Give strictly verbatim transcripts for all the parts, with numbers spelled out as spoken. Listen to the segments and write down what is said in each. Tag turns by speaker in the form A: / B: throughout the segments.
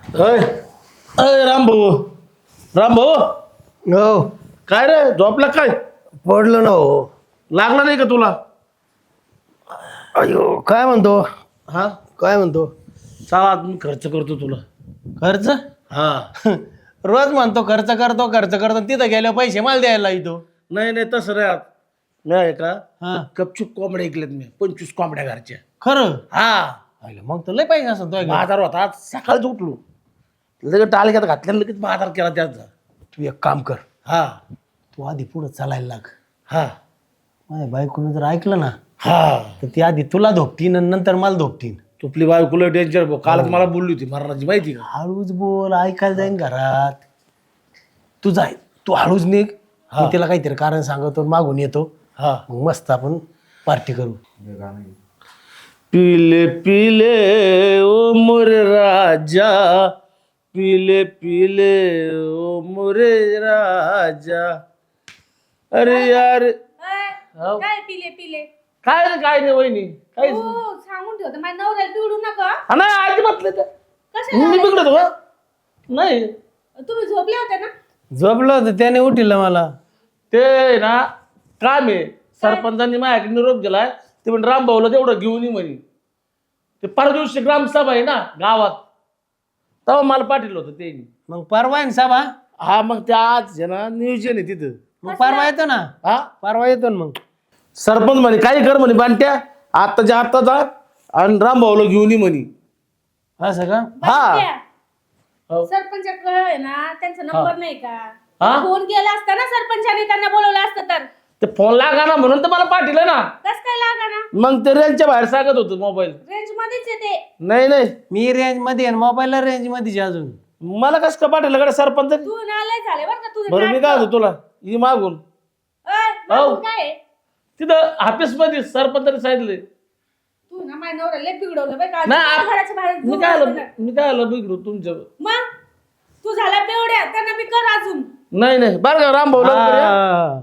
A: अय अय रामभाऊ रामभाऊ
B: हो
A: काय रे झोपला काय
B: पडलं ना हो.
A: लागला नाही का तुला?
B: अयो काय म्हणतो
A: हा
B: काय म्हणतो
A: चला मी खर्च करतो तुला.
B: खर्च
A: हा
B: रोज म्हणतो खर्च करतो खर्च करतो तिथं गेल्यावर पैसे मला द्यायला येतो.
A: नाही नाही तसं रे आत नाही आहे का
B: हा
A: गपचूप कोंबड्या ऐकल्यात मी पंचवीस कोंबड्या घरच्या.
B: खरं
A: हा
B: अरे मग तर लय पैसे असं तो
A: बाजार होता आज सकाळीच उठलो लगेच टाळक्यात घातल्या लगेच बाजार केला त्याचा.
B: तू एक काम कर
A: हा
B: तू आधी पुढं चालायला लाग.
A: हा
B: माझ्या बायकोनं जर ऐकलं ना
A: हा
B: तर ती आधी तुला धोपटीन आणि नंतर मला धोपटीन.
A: तुपली बायकोला डेंजर भाऊ कालच मला बोलली होती मरणाची माहिती का.
B: हळूच बोल ऐकायला जाईन घरात. तू जाय तू हळूच निघ मी तिला काहीतरी कारण सांगतो मागून येतो.
A: हा
B: मग मस्त आपण पार्टी करू.
A: पीले पीले ओ मोरे राजा पीले पीले ओ मोरे राजा. अरे यार
C: अय, काय पिले पिले
A: काय रे काय नाही वहिनी काय
C: हो सांगून ठेवतो माझ्या नवऱ्याला पिवडू नका.
A: नाही अजिबात नाही ते.
C: कशाला
A: मी बिघडतो का? नाही
C: तुम्ही झोपले होते ना.
B: झोपलं होतं त्याने उठिलं मला.
A: ते ना काम आहे सरपंचांनी माझ्याकडे निरोप दिलाय ते म्हणजे रामभाऊला तेवढं घेऊन ये म्हणे. ते परवा दिवशी ग्रामसभा आहे ना गावात तेव्हा मला पाठवलं होतं ते.
B: मग परवा आहे ना साबा.
A: हा मग ते आज आहे ना नियोजन आहे तिथं.
B: मग परवा येतो ना
A: हा
B: परवा येतो ना मग.
A: सरपंच म्हणे काही कर म्हणे बांट्या आत्ताच्या आत्ता जा आणि रामभाऊला घेऊन ये म्हणे.
B: असं का
A: हा
C: बघ त्या.
A: हो.
C: सरपंचाकडे आहे ना त्यांचा नंबर नाही का.
A: हा?
C: फोन केला असता ना सरपंचाने त्यांना बोलवलं असतं तर
A: ते फोन लागा ना म्हणून तर मला पाठवलं ना.
C: कस काय लागा ना.
A: मग ते रेंजच्या बाहेर सांगत होतं मोबाईल.
C: रेंज मध्येच येते.
A: नाही नाही
B: मी रेंज मध्ये आहे मोबाईलला रेंज मध्ये अजून.
A: मला कसं का पाठवलं कडे सरपंच.
C: तू नालाय झाले बरं का तुझं
A: बरं मी काय होतो तुला ही मागून
C: अय, मागून काय आहे?
A: तिथं ऑफिस मध्ये सरपंचाने सांगितले.
C: तू ना माझ्या नवऱ्याला लय बिघडवलं बरं का.
A: नाही,
C: तू घराच्या बाहेर
A: मी
C: झोपला
A: काय
C: होता
A: आलं
C: ना.
A: मी काय आलं बिघडू तुमच्या.
C: मग तू झाला बेवड्या त्यांना मी कर अजून.
A: नाही नाही बरं का रामभाऊ लवकर या.
B: हा.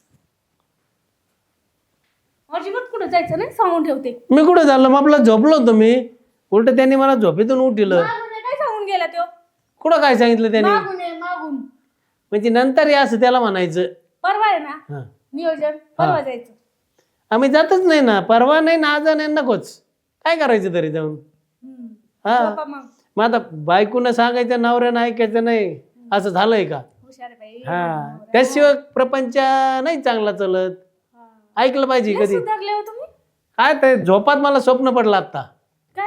C: अजिबात कुठं जायचं नाही सांगून ठेवते.
B: मी कुठे झालं मग आपलं झोपलो होतो मी. उलट त्यांनी मला झोपेतून उठिलं.
C: मागून ये, काय सांगून गेला तो.
B: कुठं काय सांगितलं त्यांनी
C: मागून ये मागून.
B: म्हणजे नंतर या असं त्याला म्हणायचं.
C: परवा आहे ना
B: हा.
C: नियोजन परवा जायचं.
B: आम्ही जातच नाही ना परवा नाही ना आज नाही नकोच. काय करायचं तरी जाऊन.
C: हम्म.
B: हा
C: झोपा मग.
B: मग आता बायकोनं सांगायचं नवऱ्यानं ऐकायचं नाही असं झालंय का.
C: हुशार आहे बाई.
B: हा त्याशिवाय प्रपंच नाही चांगला चलत.
C: हा.
B: ऐकलं पाहिजे
C: लय
B: कधी.
C: सुधारले हो तुम्ही.
B: काय ते झोपात मला स्वप्न पडलं आता
C: काय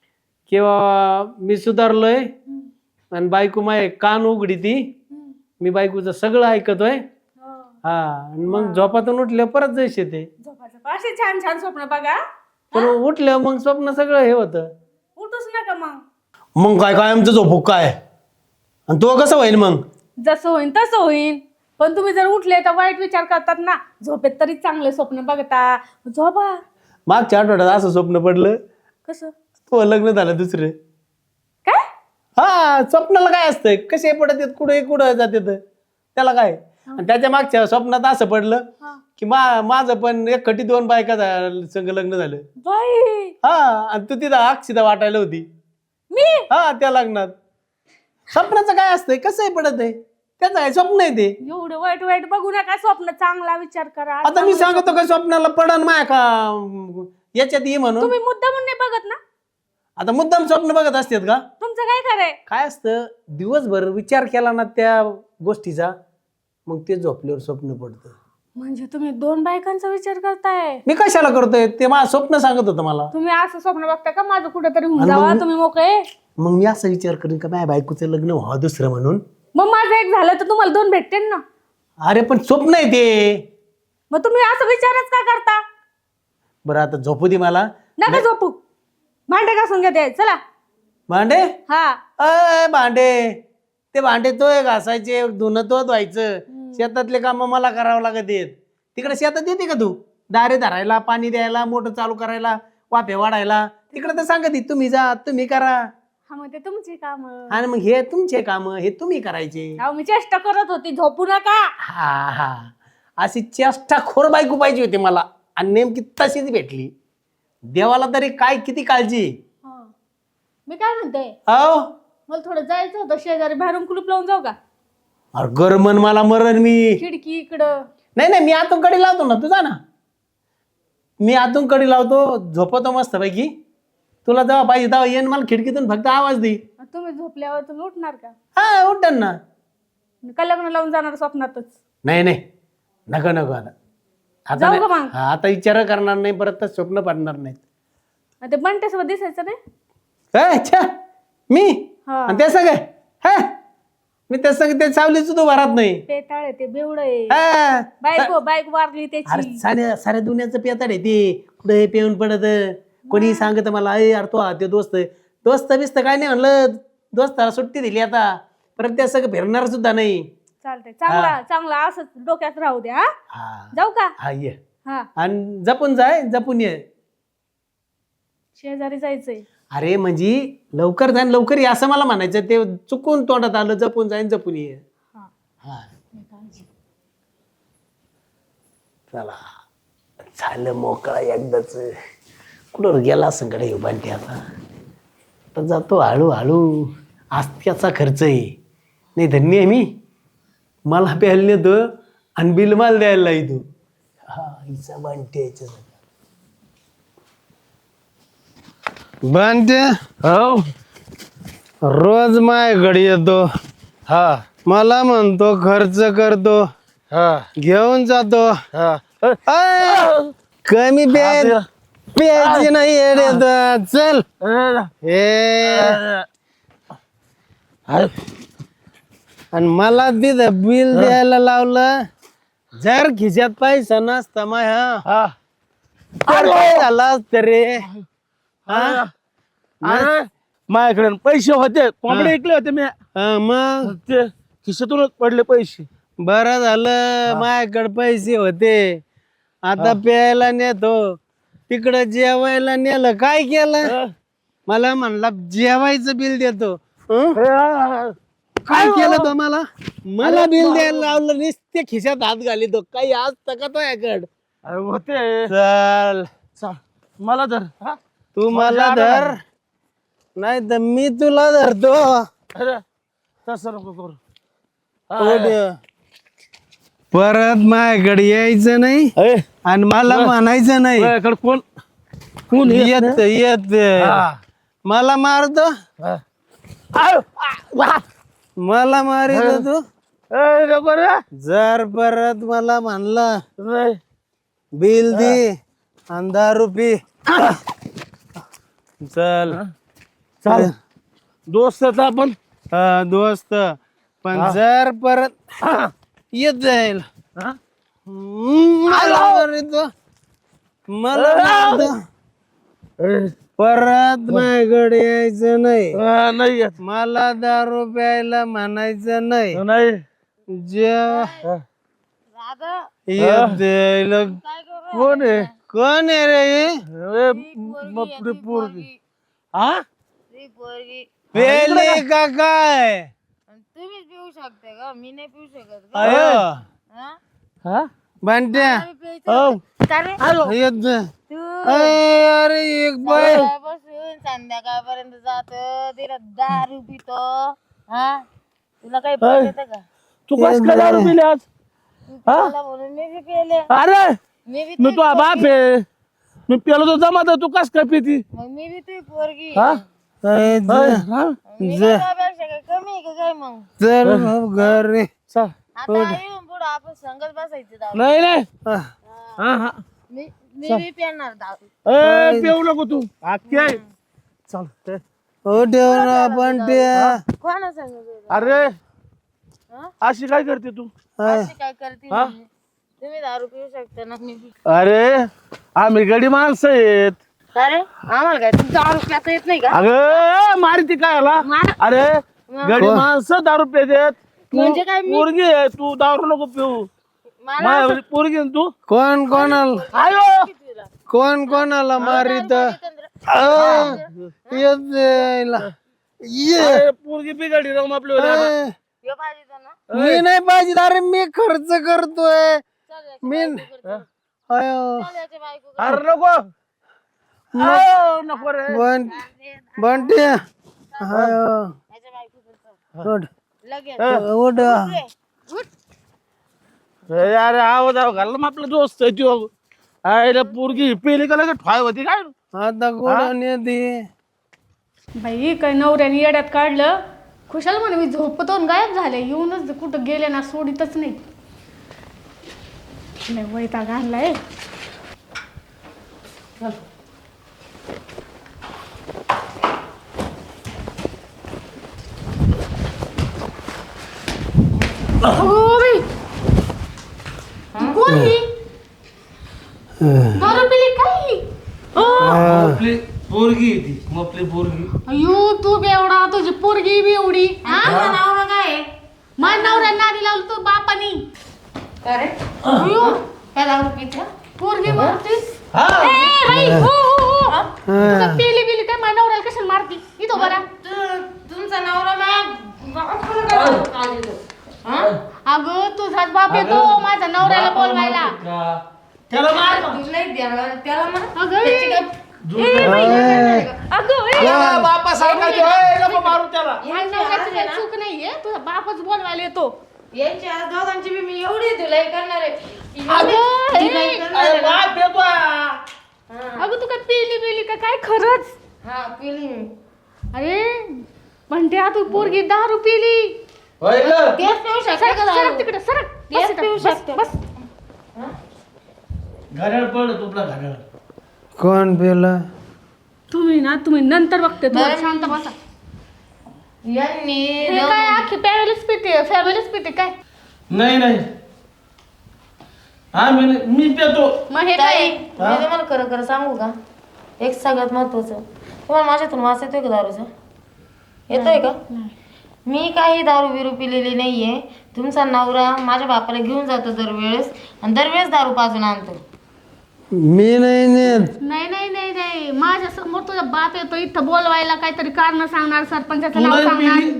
B: किंवा मी सुधारलोय
C: हम्म.
B: आणि बायको माय कान उघडी ती.
C: हम्म.
B: मी बायकोचं सगळं ऐकतोय.
C: हो.
B: हा आणि मग झोपातून उठल्या परत जैश येते.
C: झोपायचं असे छान छान स्वप्न बघा.
B: पण उठल्या मग स्वप्न सगळं हे होतं.
C: उठूच नका मग.
B: मग काय काय आमचं झोपू काय आणि तो कसं होईल मग.
C: जसं होईन तसं होईन. पण तुम्ही जर उठले तर वाईट विचार करतात ना. झोपेत तरी चांगले स्वप्न बघता. झोपा.
B: मागच्या आठवड्यात असं स्वप्न पडलं
C: कसं
B: तो लग्न झालं दुसरं.
C: काय.
B: हा स्वप्नाला काय असतंय कसे पडत येत कुठे कुठं जाते त्याला काय. आणि त्याच्या मागच्या स्वप्नात असं पडलं
C: हा.
B: की मा माझं पण एक खटी दोन बायका झा- संग लग्न झालं.
C: बाई
B: हा आणि तू तिथं अक्षिता वाटायला होती.
C: मी
B: हा त्या लग्नात. स्वप्नाचं काय असतंय कसंही पडत आहे त्याचं आहे स्वप्न आहे ते.
C: एवढं वाईट वाईट बघू नका. स्वप्न चांगला विचार करा.
B: आता मी सांगतो का स्वप्नाला पडन माय का याच्यात ये म्हणून.
C: तुम्ही मुद्दा म्हणून नाही बघत ना.
B: आता मुद्दाम स्वप्न बघत असतात का.
C: तुमचं काय खरंय.
B: काय असतं दिवसभर विचार केला ना त्या गोष्टीचा मग ते झोपल्यावर स्वप्न पडतं.
C: म्हणजे तुम्ही दोन बायकांचा विचार करताय.
B: मी कशाला करतोय ते माझं स्वप्न सांगत होतं मला.
C: तुम्ही असं स्वप्न बघता का माझं कुठेतरी होऊन
B: आणि
C: जावा
B: मग-
C: तुम्ही मोकळे.
B: मग मी असा विचार करेन का माझ्या बायकोचं लग्न व्हावं दुसरं म्हणून.
C: मग माझं एक झालं तर तुम्हाला दोन भेटतील ना.
B: अरे पण स्वप्न आहे ते.
C: मग तुम्ही असं विचारच का करता.
B: बरं आता झोपू दे मला.
C: नका झोपू. भांडे घासून घेते चला.
B: भांडे
C: हा.
B: अय भांडे ते भांडे तोय घासायचे धुणं तो धुवायचं. शेतातले काम मला करावं लागत येत. तिकडे शेतात येते का तू दारे धरायला पाणी द्यायला मोटर चालू करायला वाफे वाढायला तिकडे तर सांगत तुम्ही जा तुम्ही करा.
C: हा मग ते तुमची काम.
B: आणि मग हे तुमचे काम हे तुम्ही करायचे.
C: मी चेष्टा करत होती. झोपू नका.
B: हा हा अशी चेष्टा खोर बायको पाहिजे होती मला आणि नेमकी तशीच भेटली. देवाला तरी काय किती काळजी.
C: मी काय म्हणते
B: अहो
C: मला थोडं जायचं होतं शेजारी, बाहेरून कुलूप लावून जाऊ का?
B: अरे गरमन मला मरण मी.
C: खिडकी इकडं.
B: नाही नाही मी आतून कडी लावतो ना, तुझा ना मी आतून कडी लावतो, झोपतो मस्त पैकी. तुला जेव्हा पाहिजे तेव्हा येईन, मला खिडकीतून फक्त आवाज दे.
C: तुम्ही झोपल्यावर तुम्ही उठणार का?
B: हा उठन ना.
C: का लग्न लावून जाणार स्वप्नातच?
B: नाही नाही नको नको आता आता
C: जाऊ का
B: नाही.
C: मग?
B: हा, आता विचार करणार नाही, परत तर स्वप्न पडणार नाहीत.
C: आणि ते बंट्यासोबत दिसायचं नाही?
B: काय अच्छा मी
C: हा.
B: आणि ते सगळे हा मी ते सगळे ते सावलीच तू भरात नाही.
C: पेटाळ आहे ते, बेवड आहे.
B: हा.
C: बायको बायको मारली
B: अरे
C: त्याची.
B: साऱ्या साऱ्या दुनियाचं पेताड आहे ते, कुठं हे पेऊन पडत. कोणी सांगत मला अरे यार तो हा ते दोस्त दोस्त बिस्त काय नाही म्हणलं, दोस्ताला सुट्टी दिली आता, परत त्या सगळं फिरणार सुद्धा नाही.
C: चालतंय, चांगला चांगला असंच डोक्यात राहू द्या. हा?
B: हा
C: जाऊ का?
B: हा ये
C: हा,
B: आणि जपून जाय, जपून ये.
C: शेजारी जायचंय.
B: अरे म्हणजे लवकर जाईन लवकर ये असं मला म्हणायचं, ते चुकून तोंडात आलं, जपून जाईन जपून ये.
C: हा.
B: हा चला झालं मोकळा एकदाच. कुठं गेला संकट येऊ बांधते आता. तर जातो हळूहळू, आस्त्याचा खर्च आहे. नाही धन्य आहे मी, मला प्यायला नेतो आणि बिल माल द्यायला येतो. हा हिचा बांधते याच्या बांधते
A: हो
B: रोज माझ्याकडे येतो.
A: हा
B: मला म्हणतो खर्च करतो,
A: हा
B: घेऊन जातो.
A: हा
B: अय, कमी प्याय प्यायची नाही येडे तर. चल हे आणि मला तिथं बिल द्यायला लावलं. जर खिशात पैसा नसता माय हा
A: हा
B: तर काय झालं असतं रे.
A: अरे अरे, माझ्याकडे पैसे होते, कोंबडे ऐकले होते मी,
B: हा, मग
A: ते खिशातूनच पडले पैसे.
B: बरं झालं माझ्याकडे पैसे होते. आता प्यायला नेतो, तिकडं जेवायला नेलं. काय केलं? मला म्हणला जेवायचं बिल देतो. हं? काय केलं तो मला मला बिल द्यायला लावलं, नुसते खिशात हात घाली तो. काही आज तका तो याकड.
A: अरे होते.
B: चल
A: चा, मला धर. हा?
B: तू मला धर, नाही तर मी तुला धरतो.
A: अरे तसं नको करू.
B: उठ. परत माझ्याकडे यायचं नाही
A: अरे
B: आणि मला म्हणायचं नाही
A: माझ्याकडे कोण कोण
B: येत येत
A: हा.
B: मला मारतो,
A: हा. आय, आ,
B: मला मारित तू.
A: ए, नको रे.
B: जर परत मला म्हणला
A: नाही.
B: बिल दे आणि दारू पी. चल
A: चाल दोस्त आपण.
B: हा, दोस्त. पण जर परत येत जाईल
A: हा?
B: मला मारितो, मला मारतो.
A: ए,
B: परत माझ्याकडे यायचं नाही.
A: हा, नाही येत.
B: मला दारू प्यायला म्हणायचं नाही.
A: नाही
B: जेव्हा
A: हा.
B: येत जाईल.
A: कोण आहे?
B: कोण आहे रे हे?
A: ए, बापरे, पोरगी. हा
B: पेले का काय?
D: तुम्हीच पिऊ शकता का? मी नाही पिऊ शकत का?
B: अयो
D: हा?
A: हा?
B: बंट्या
D: तुम्ही प्यायचं
A: हो.
D: का रे?
B: येत जा.
D: तू
B: अय, अरे एक बाय
D: सकाळपासून संध्याकाळपर्यंत जातो, तिला दारू पितो. हा तुला काही
A: अय.
D: येतं का?
A: तू कस काय दारू पिली आज?
D: तू पिला म्हणून मी बी पेले.
A: अरे
D: मी बी
A: मी
D: तुझी
A: तुझा बाप
D: पोरगी.
A: आहे, मी पेलो तो जमात, तू कस काय पिती?
D: मग मी बी तुझी पोरगी.
A: हा?
B: अय,
A: अय,
B: जा.
A: हा?
D: मी
B: जा.
D: काय तुझ्यापेक्षा काय कमी आहे का काय मग?
B: चल मग घरी.
A: चल.
D: आता येऊन पुढं आपण संगत बसायचं दारू.
A: नाही नाही.
B: हा.
A: हा हा.
D: मी मी बी पेणार दारू.
A: ए, पिऊ नको तू. आख्खी आहे. चल ते.
B: हो ठेव ना बंट्या.
D: कोणा सांगत
A: अरे
D: हा?
A: अशी काय करते तू?
D: अशी काय करते
A: हा?
D: म्हणजे? तुम्ही दारू पिऊ शकता ना, मी बी.
A: अरे आम्ही गडी माणसं आहेत.
D: का रे आम्हाला काय तुमचं दारू पिता येत नाही का?
A: अगं मारती काय आला?
D: मार.
A: अरे गडी माणसं दारू पितात. तू
D: म्हणजे काय मी-
A: पोरगी आहे, तू दारू नको पिऊ.
D: मला
A: माझ्या पोरगी आहे ना तू.
B: कोण कोणाला
A: आयो
B: कोण कोणाला मारित येत जाईल. ये
A: अरे, पोरगी बिघडली राहून आपली
B: अय,
D: ह्यो पाहिजे ना.
B: मी नाही पाहिजे. अरे मी खर्च करतोय.
D: चल याची
B: मी
D: बायको कर, चल.
B: अयो
D: चल याची बायको कर.
A: अरे नको. आयो, नको रे.
B: बंट बंट्या अयो
D: याच्या माझ्या बायकोचं
B: उठ
D: लगेच
B: उठ
A: अरे अरे आवाज आव घाल मग आपला दोस्त आहे त्यो आईला पोरगी पेली का लगेच ठाय होती काय
B: आता कोण येते
C: बाई काय नवऱ्याने येड्यात काढलं खुशाल म्हणे मी झोपतो आणि गायब झाले येऊनच कुठं गेले ना सोडीतच नाही लय वैताग आणलाय अहो बाई कोण ही दारू पिली काय ओ
A: आपली पोरगी ती आपली पोरगी
C: अयो तू बेवडा तुझी पोरगी बी एवढी हा
D: नवरा काय
C: माझ्या नवऱ्या नादी लावलं तू बापानी
D: अरे
C: अयो
D: काय दारू पित्या
C: पोरगी मारतीस
A: हा
C: ए बाई हो हो हो तुला पेली बिली काय माझ्या नवऱ्याला कशाला मारती इथं बरा
D: तुमचा नवरा माझ्या
C: अगं तुझाच बाप येतो माझ्या नवऱ्याला बोलवायला
A: त्याला मार
D: नाही द्यायला त्याला म्हणा
C: अगं ए बाई अगं ए
A: बापा सांगायचे "ओय, नको मारू त्याला
C: माझ्या नवऱ्याची काही चूक नाहीये तुझा बापच बोलवायला येतो
D: यांची आज दोघांची बी मी एवढी धुलाई करणार आहे
C: अगं
D: धुलाई
C: ए,
D: करणार
A: अरे
D: आहे ना.
A: बाप येतो
C: अगं तू काय पेली बिली का काय खरंच
D: हा पिली मी.
C: अरे म्हणते तू पोरगी दारू पिली
A: होय ग
D: तेच पिऊ शकते का
C: सरक
D: दारू?
C: तिकडे सरक
D: तेच
C: बस इथं,
D: पिऊ
C: बस,
D: शकते.
C: बस
A: घड्याळ पड तुला घड्याळ
B: कोण पेला
C: तुम्ही ना तुम्ही नंतर बघते तुम्हाला
D: बरं.
C: शांत बसा
D: यांनी
C: हे काय अख्खी फॅमिलीच पिते फॅमिलीच पिते काय
A: नाही नाही हा मी मी पेतो
C: मग हे
D: ताई,
C: काय
D: मी तुम्हाला खरं खरं सांगू का एक सगळ्यात महत्वाचं तुम्हाला माझ्यातून वास येतोय का दारूचा येतोय का मी काही दारू बिरू पिलेली नाहीये तुमचा नवरा माझ्या बापाला घेऊन जातो दरवेळेस आणि दरवेळेस दारू पाजून आणतो
B: मी नाही नेत
C: नाही नाही नाही नाही माझ्या समोर तुझा बाप येतो इथं बोलवायला काहीतरी कारण सांगणार सरपंचाचं
A: तू
C: नाव
A: नाही
C: सांगणार
A: पिली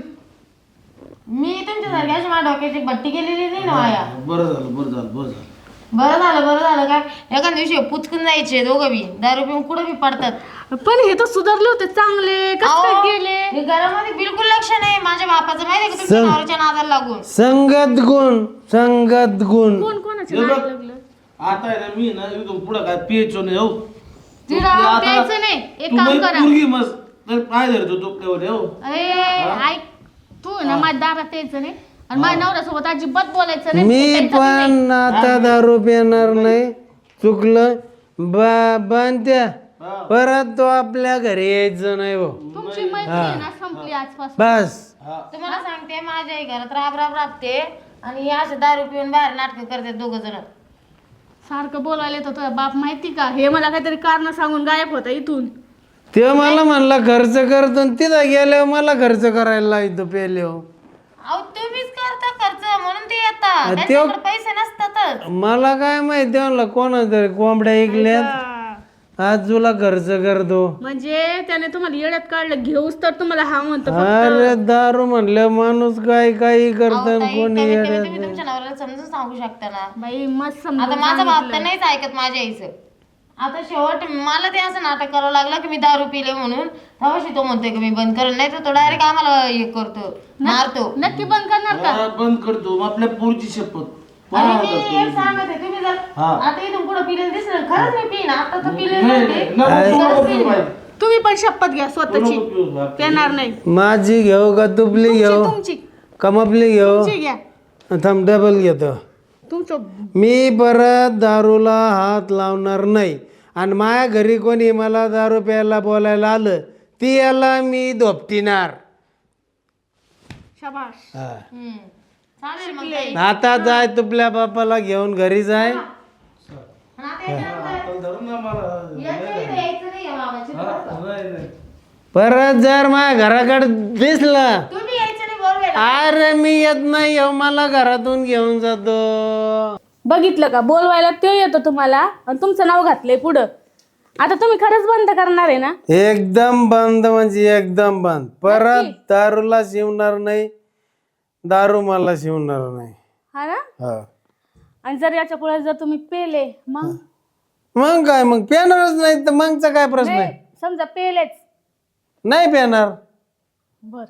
D: मी तुमच्या सारख्याची माझ्या डोक्याची भट्टी केलेली नाही ना वाया
A: बरं झालं बरं झालं बरं झालं
D: बरं झालं बरं झालं काय एका दिवशी पुचकून जायचे दोघं बी दारू पिऊन कुठं बी पडतात
C: पण हे तर सुधारले होते चांगले कसं काय
D: अहो,
C: गेले
D: हे घरामध्ये बिलकुल लक्ष नाही माझ्या बापाचं माहिती का तुमच्या
B: सं-
D: नवऱ्याच्या नादाला लागून
B: संगत गुण संगत गुण
C: कोण कोणाचे
A: हे
C: नाव
A: बघ.
C: लागलं
A: आता आहे ना मी ना इथून पुढं काय पियचो नाही हो
C: तिला
A: आता-
C: प्यायचं नाही एक
A: तू
C: काम
A: बाई
C: करा
A: पोरगी मस्त तर काय धरतो तो प्लेवर हो
C: अरे ऐक तू ना माझ्या दारात यायचं नाही आणि माझ्या नवऱ्यासोबत अजिबात बोलायचं नाही
B: मी
C: त्यांचं नाही.
B: पण आता दारू पिणार नाही चुकलं बा बांधत्या
A: हा.
B: परत तो आपल्या घरी यायचं नाही हो
C: तुमची मैत्री ना संपली आजपासून
B: बस
D: तुम्हाला सांगते माझ्याही घरात राब राब राबते आणि हे असे दारू पिऊन बाहेर नाटक करते दोघ जण
C: सारखं बोलायला येतं तुझा बाप माहिती का हे मला काहीतरी कारण सांगून गायब होता इथून
B: ते मला म्हणला खर्च करतो आणि तिथं गेल्यावर मला खर्च करायला लावतो पेले
D: अहो तुम्हीच करता खर्च म्हणून ते येतात
B: ते-
D: त्यांच्याकडे पैसे नसतातच
B: मला काय माहिती म्हणलं कोणा तरी कोंबड्या ऐकल्यात आज तुला खर्च करतो
C: म्हणजे त्याने तुम्हाला येड्यात काढलं घेऊस तर तुम्हाला हा म्हणतो
B: अरे दारू म्हणलं माणूस काय काही
D: अहो,
B: करत
D: ताई,
B: कोणी
D: कमीत कमी
B: येड्यात
D: तुम्ही तुमच्या नवऱ्याला समजून सांगू शकता ना
C: बाई मस्त
D: आता
C: समजून
D: माझा बाप तर
C: सांगितलं.
D: नाहीच ऐकत माझ्या आईचं आता शेवट मला ते असं नाटक करावं लागलं की मी दारू पिले म्हणून तेव्हाशी तो म्हणतोय की मी बंद करेल नाही तर तो डायरेक्ट आम्हाला हे करतो मारतो
C: नक्की बंद करणार का
A: हा, बंद करतो मग आपल्या पोरची शपथ
D: आणि मी एक सांगत आहे तुम्ही जर
A: हा.
D: आता इथून पुढे पिलेलं दिसलं खरंच मी पिन आता तर पिलेलं
A: नाही,
D: नव्हते.
A: नाही, नको, तू नको पिऊ बाई.
C: तुम्ही पण शपथ घ्या
A: तू
C: स्वतःची
A: नको पिऊ बाप.
C: येणार नाही
B: माझी घेऊ का तुपली घेऊ
C: तुमची
B: कमापली घेऊ
C: तुमची घ्या
B: थांब डबल घेतो
C: तुमचं
B: मी परत दारूला हात लावणार नाही आणि माझ्या घरी कोणी मला दारू प्यायला बोलायला आलं ती याला मी धोपटिणार
C: शाबाश
B: हा.
D: हम्म. चालेल मग ताई.
B: आता जाय तुपल्या बापाला घेऊन घरी जाय
D: आणि आता याच्यानंतर
A: चल धरून ना मला.
D: याच्या इथे यायचं नाही आहे बाबाची.
A: हा, नाही, नाही.
B: परत जर माझ्या घराकडे दिसला
D: तुम्ही यायचं नाही बरोबर
B: अरे मी येत नाही येऊ मला घरातून घेऊन जातो
C: बघितलं का बोलवायला ते येतो तुम्हाला आणि तुमचं नाव घातलंय पुढं आता तुम्ही खरंच बंद करणार आहे ना
B: एकदम बंद म्हणजे एकदम बंद परत दारूला शिवणार नाही दारू मला शिवणार नाही
C: हा ना
B: हा
C: आणि जर याच्या पुढे जर तुम्ही पेले मग
B: मग काय मग पेणारच नाही तर मगचा काय प्रश्न
C: नाही,
B: आहे
C: समजा पेलेच
B: नाही पेणार
C: बर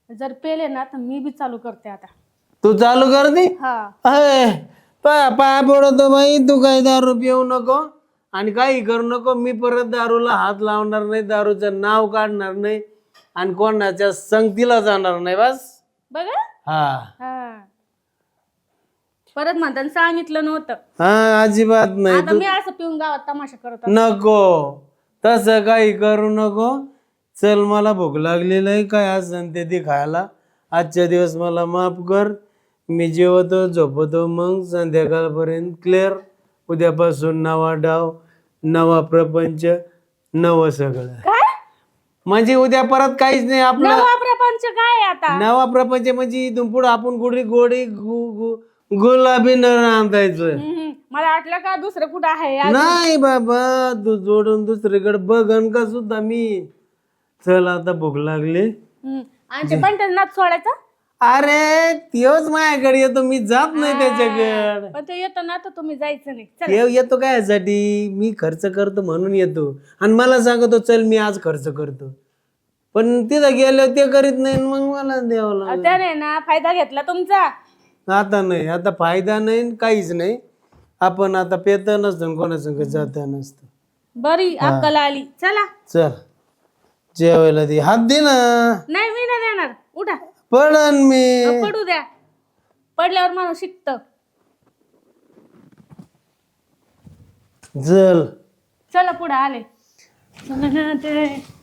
C: जर पेले ना तर मी बी चालू करते आता.
B: तू चालू कर दे.
C: हा
B: अय, पा पाय पडतो बाई, तू काही दारू पिऊ नको आणि काही करू नको. मी परत दारूला हात लावणार नाही, दारूचं नाव काढणार नाही आणि कोणाच्या संगतीला जाणार नाही. बस
C: बघा.
B: हा
C: हा परत म्हणताना सांगितलं नव्हतं.
B: हा अजिबात नाही.
C: आता मी असं पिऊन गावात तमाशा करत असते.
B: नको तसं काही करू नको. चल मला भूक लागलेलं आहे, काय असेल ते ती खायला. आजच्या दिवस मला माफ कर. मी जेवतो झोपतो, मग संध्याकाळपर्यंत क्लिअर. उद्यापासून नवा डाव, नवा प्रपंच, नवं सगळं.
C: काय
B: म्हणजे उद्या परत काहीच नाही आपलं.
C: नवा प्रपंच काय आता?
B: नवा प्रपंच म्हणजे इथून पुढे आपण गुढी गोडी गु- गु- गुलाबी न रांधायचं.
C: हम्म, मला वाटलं का दुसरं कुठं आहे.
B: नाही बाबा, तू जोडून दुसरीकडे बघन का सुद्धा मी. चल आता भूक लागली.
C: हम्म, आणि ते पण नाच सोडायचं.
B: अरे त्योच माझ्याकडे येतो, मी जात नाही त्याच्याकडे.
C: पण ते येतं ना तर तुम्ही जायचं नाही. चल
B: ते येतो काय यासाठी, मी खर्च करतो म्हणून येतो आणि मला सांगतो चल मी आज खर्च करतो. पण तिथं गेल्यावर ते करीत नाही, मग मला द्यावं लागलं.
C: त्याने ना फायदा घेतला तुमचा.
B: आता नाही, आता फायदा नाही काहीच नाही. आपण आता पेत नसतो कोणासंग जाता नसतं.
C: बरी अक्कल आली. चला.
B: चल जेवायला दे. हात दे ना.
C: नाही मी नाही देणार. उठा.
B: पडन मी.
C: पडू द्या. पडल्यावर माणूस शिकत.
B: चल
C: चला पुढे आले. चला ना ते